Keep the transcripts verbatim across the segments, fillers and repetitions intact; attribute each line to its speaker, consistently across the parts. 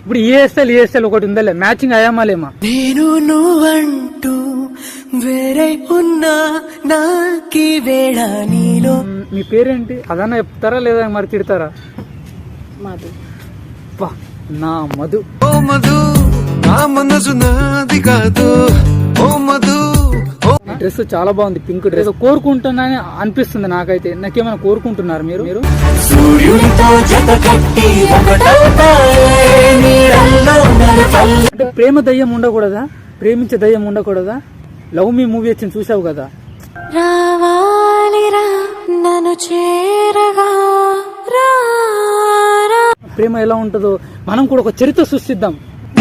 Speaker 1: ఇప్పుడు ESL ESL ఒకటి ఉందలే, matching అయ్యామాలేమా?
Speaker 2: నేను నువ్వంటూ వేరే ఉన్నా నాకి వేళ నీలో.
Speaker 1: మీ పేరేంటి అదన్నా చెప్తారా లేదా మరి తిడతారా?
Speaker 3: మధు.
Speaker 1: నా మధు.
Speaker 4: ఓ మధు నా మనసు నాది కాదు. ఓ మధు
Speaker 1: డ్రెస్ చాలా బాగుంది, పింక్ డ్రెస్. కోరుకుంటున్నాని అనిపిస్తుంది నాకైతే. నాకేమైనా కోరుకుంటున్నారు మీరు? మీరు అంటే ప్రేమ దయ్యం ఉండకూడదా? ప్రేమించే దయ్యం ఉండకూడదా? లవ్ మీ మూవీ వచ్చింది చూసావు కదా. ప్రేమ ఎలా ఉంటుందో మనం కూడా ఒక చరిత్ర సృష్టిద్దాం.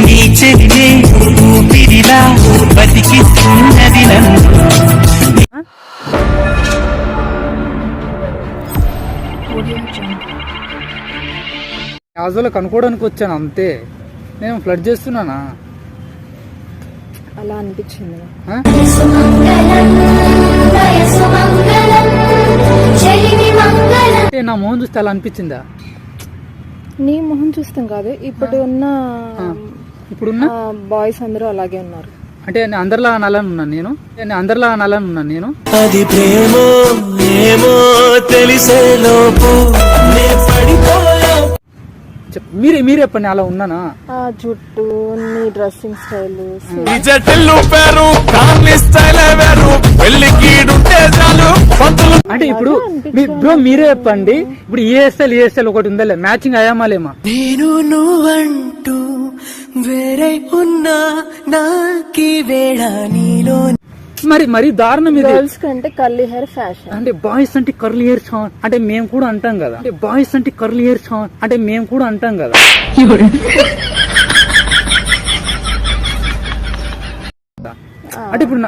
Speaker 1: క్యాజువల్ కనుక్కోవడానికి వచ్చాను అంతే. నేను ఫ్లడ్ చేస్తున్నానా?
Speaker 3: అలా అనిపించింది.
Speaker 1: నా మొహం చూస్తే అలా అనిపించిందా?
Speaker 3: నీ మొహం చూస్తాం కాదు, ఇప్పుడు ఉన్న
Speaker 1: ఇప్పుడున్న
Speaker 3: బాయ్స్ అందరూ అలాగే ఉన్నారు.
Speaker 1: అంటే నేను అందరిలా అనాలని ఉన్నాను నేను నేను అందరిలా అనాలని ఉన్నాను నేను
Speaker 2: అది ప్రేమో ఏమో తెలిసే లోపు
Speaker 1: మీరే మీరే చెప్పండి అలా ఉన్నానా?
Speaker 3: ఆ జుట్టు, నీ డ్రెస్సింగ్ స్టైల్,
Speaker 1: అంటే ఇప్పుడు బ్రో మీరే చెప్పండి. ఇప్పుడు ఈఎస్ఎల్ ఈఎస్ఎల్ ఒకటి ఉందలే, మ్యాచింగ్ అయ్యామాలేమా?
Speaker 2: నేను నువ్వంటూ వేరే ఉన్నా నాకి వేళ నీలో.
Speaker 1: మరి మరి దారుణం ఇది.
Speaker 3: గర్ల్స్ కంటే కర్లీ హెయిర్ ఫ్యాషన్.
Speaker 1: అంటే బాయ్స్ అంటే కర్లీ హెయిర్ అంటే మేము కూడా అంటాం కదా. అంటే బాయ్స్ అంటే కర్లీ హెయిర్ అంటే మేము కూడా అంటాం కదా. అంటే ఇప్పుడు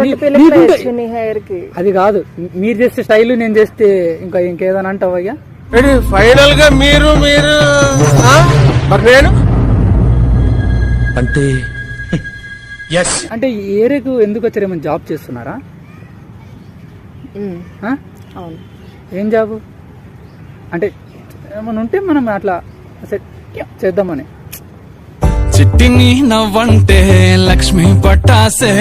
Speaker 1: అది కాదు, మీరు చేస్తే స్టైల్ నేను చేస్తే ఇంకా ఇంకేదైనా అంటావయ్యా?
Speaker 4: ఫైనల్ గా మీరు మీరు నేను అంటే
Speaker 1: అంటే ఈ ఏరియాకు ఎందుకు వచ్చారు? ఏమైనా జాబ్ చేస్తున్నారా? ఏం జాబ్? అంటే ఏమైనా ఉంటే మనం అట్లా సెట్ చేద్దామని.
Speaker 2: చిట్టిని నవ్వంటే లక్ష్మి పట్టాసే.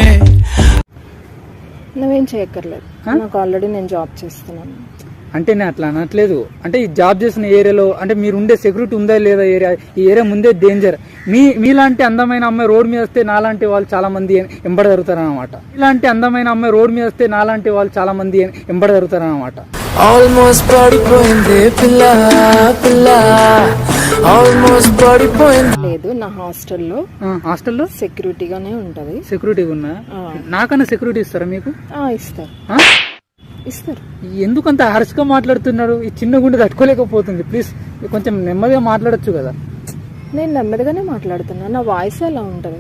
Speaker 3: నువ్వేం చేయక్కర్లేదు, నాకు ఆల్రెడీ నేను జాబ్ చేస్తున్నాను.
Speaker 1: అంటే నేను అట్లా అనట్లేదు. అంటే ఈ జాబ్ చేసిన ఏరియాలో అంటే మీరు ఉండే సెక్యూరిటీ ఉందా లేదా ఏరియా? ఈ ఏరియా ముందే డేంజర్. మీ మీలాంటి అందమైన అమ్మాయి రోడ్ మీద వస్తే నాలాంటి వాళ్ళు చాలా మంది ఎంబడ జరుగుతారు అనమాట. ఇలాంటి అందమైన అమ్మాయి రోడ్ మీద వస్తే నాలాంటి వాళ్ళు చాలా మంది ఎంబడ జరుగుతారు అనమాట.
Speaker 2: ఆల్మోస్ట్ పడిపోయింది పిల్ల పిల్ల, ఆల్మోస్ట్ పడిపోయింది.
Speaker 3: లేదు, నా హాస్టల్లో
Speaker 1: హాస్టల్లో
Speaker 3: సెక్యూరిటీగానే ఉంటది.
Speaker 1: సెక్యూరిటీగా ఉన్నా? నాకన్నా సెక్యూరిటీ ఇస్తారా మీకు?
Speaker 3: ఇస్తారు ఇస్తారు.
Speaker 1: ఎందుకంత హర్షగా మాట్లాడుతున్నారు? ఈ చిన్న గుండె తట్టుకోలేకపోతుంది. ప్లీజ్ కొంచెం నెమ్మదిగా మాట్లాడొచ్చు కదా.
Speaker 3: నేను నెమ్మదిగానే మాట్లాడుతున్నా, నా వాయిస్ అలా ఉంటది.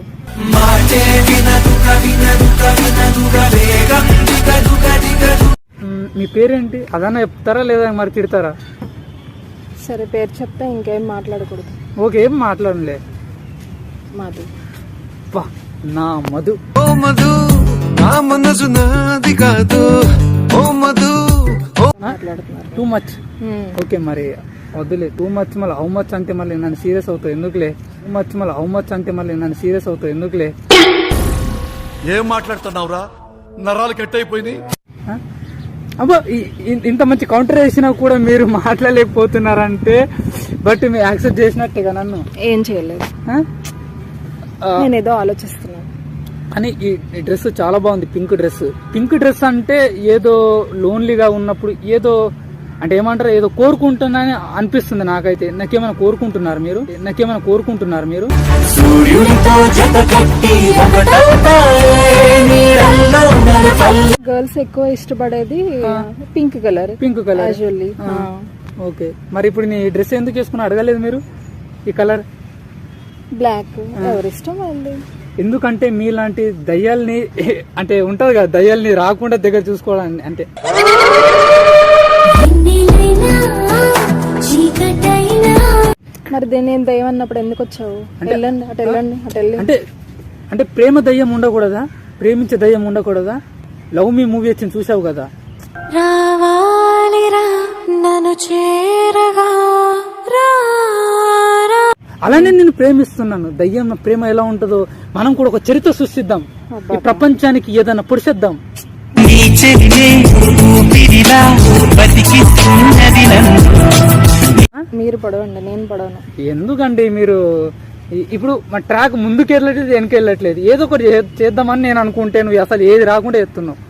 Speaker 1: మీ పేరేంటి అదన్నా చెప్తారా లేదా మరి తిడతారా?
Speaker 3: సరే, పేరు చెప్తే ఇంకేం మాట్లాడకూడదు.
Speaker 1: ఓకే, ఏం మాట్లాడలే.
Speaker 3: మధు.
Speaker 1: నా మధు.
Speaker 4: ఓ మధు నా మనసు నాది కాదు. ఓ మధు
Speaker 3: మాట్లాడుతున్నారు
Speaker 1: టూ మచ్. ఓకే, మరి వద్దులే. టూ మచ్ మళ్ళీ హౌ మచ్ అంటే మళ్ళీ నన్ను సీరియస్ అవుతావు ఎందుకులే? టూ మచ్ మళ్ళీ హౌ మచ్ అంటే మళ్ళీ నన్ను సీరియస్ అవుతావు ఎందుకులే?
Speaker 4: ఏం మాట్లాడుతున్నావురా? నరాలు కట్ అయిపోయింది.
Speaker 1: అబ్బా, ఇంత మంచి కౌంటర్ వేసినా కూడా మీరు మాట్లాడలేకపోతున్నారంటే బట్ మీరు యాక్సెప్ట్ చేసినట్టేగా నన్ను.
Speaker 3: ఏం చేయలేదు, నేను ఏదో ఆలోచిస్తున్నాను.
Speaker 1: అని ఈ డ్రెస్ చాలా బాగుంది, పింక్ డ్రెస్. పింక్ డ్రెస్ అంటే ఏదో లోన్లీగా ఉన్నప్పుడు ఏదో అంటే ఏమంటారు, ఏదో కోరుకుంటున్నాని అనిపిస్తుంది నాకైతే. నాకేమైనా కోరుకుంటున్నారు మీరు? నాకేమైనా కోరుకుంటున్నారు మీరు?
Speaker 3: గర్ల్స్ ఎక్కువ ఇష్టపడేది pink colour.
Speaker 1: Pink colour. Okay, మరి ఇప్పుడు నీ డ్రెస్ ఎందుకు వేసుకుని అడగలేదు మీరు? ఈ కలర్
Speaker 3: బ్లాక్ ఎవరిష్టం వాళ్ళు.
Speaker 1: ఎందుకంటే మీలాంటి దయ్యాల్ని అంటే ఉంటది కదా, దయ్యాల్ని రాకుండా దగ్గర చూసుకోవడానికి. అంటే
Speaker 3: మరి నేను దయ్యం అన్నప్పుడు ఎందుకు వచ్చావు? వెళ్ళండి, అటు వెళ్ళండి, అటు వెళ్ళి.
Speaker 1: అంటే అంటే ప్రేమ దయ్యం ఉండకూడదా? ప్రేమించే దయ్యం ఉండకూడదా? లవ్ మీ మూవీ వచ్చింది చూసావు కదా. అలానే నేను ప్రేమిస్తున్నాను. దయ్యం ప్రేమ ఎలా ఉంటుందో మనం కూడా ఒక చరిత్ర సృష్టిద్దాం, ఈ ప్రపంచానికి ఏదైనా పొడిచేద్దాం.
Speaker 3: మీరు పడవండి, నేను పడవను.
Speaker 1: ఎందుకండి మీరు ఇ- ఇప్పుడు మా ట్రాక్ ముందుకు వెళ్ళట్లేదు, వెనక వెళ్ళట్లేదు. ఏదో ఒకటి చే- చేద్దామని నేను అనుకుంటే నువ్వు అసలు ఏది రాకుండా చేస్తున్నావు.